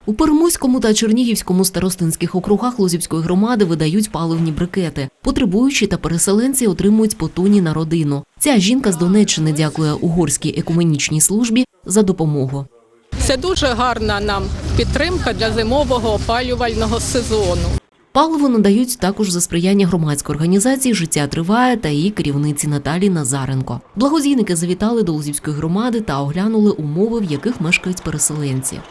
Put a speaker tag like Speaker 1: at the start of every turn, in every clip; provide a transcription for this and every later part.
Speaker 1: У Перемуському та Чернігівському старостинських округах Лозівської громади видають паливні брикети. Потребуючі та переселенці отримують по тоні на родину. Ця жінка з Донеччини дякує Угорській екуменічній службі за допомогу.
Speaker 2: Це дуже гарна нам підтримка для зимового опалювального сезону.
Speaker 1: Паливо надають також за сприяння громадської організації «Життя триває» та її керівниці Наталії Назаренко. Благодійники завітали до Лозівської громади та оглянули умови, в яких мешкають переселенці.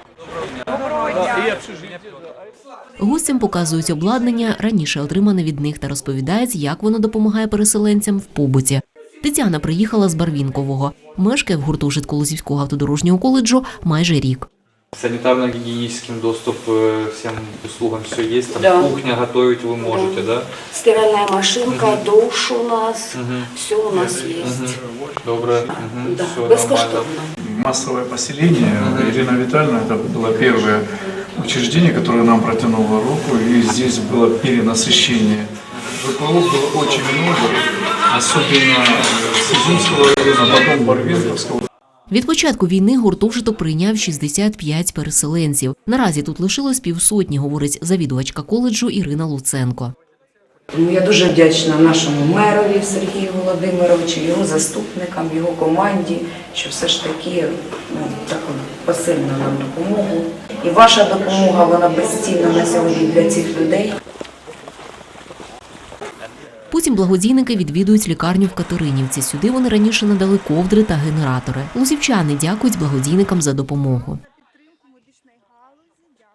Speaker 1: Гостям показують обладнання, раніше отримане від них, та розповідають, як воно допомагає переселенцям в побуті. Тетяна приїхала з Барвінкового. Мешкає в гуртожитку Лозівського автодорожнього коледжу майже рік.
Speaker 3: Санитарно-гигиеническим доступ к всем услугам все есть, там да. Кухня готовить вы можете, да?
Speaker 4: Стиральная машинка, душ у нас, все у нас есть.
Speaker 3: Доброе,
Speaker 4: Да.
Speaker 3: все
Speaker 4: Бескоштовно.
Speaker 3: нормально.
Speaker 5: Массовое поселение. Ирина Витальевна, это было первое учреждение, которое нам протянуло руку, и здесь было перенасыщение. Житловых было очень много, особенно с Изюмского района, потом Барвинковского.
Speaker 1: Від початку війни гуртожиток прийняв 65 переселенців. Наразі тут лишилось півсотні, говорить завідувачка коледжу Ірина Луценко.
Speaker 6: Я дуже вдячна нашому мерові Сергію Володимировичу, його заступникам, його команді, що все ж таки таку посильну нам допомогу. І ваша допомога, вона безцінна на сьогодні для цих людей.
Speaker 1: Потім благодійники відвідують лікарню в Катеринівці. Сюди вони раніше надали ковдри та генератори. Лозівчани дякують благодійникам за допомогу.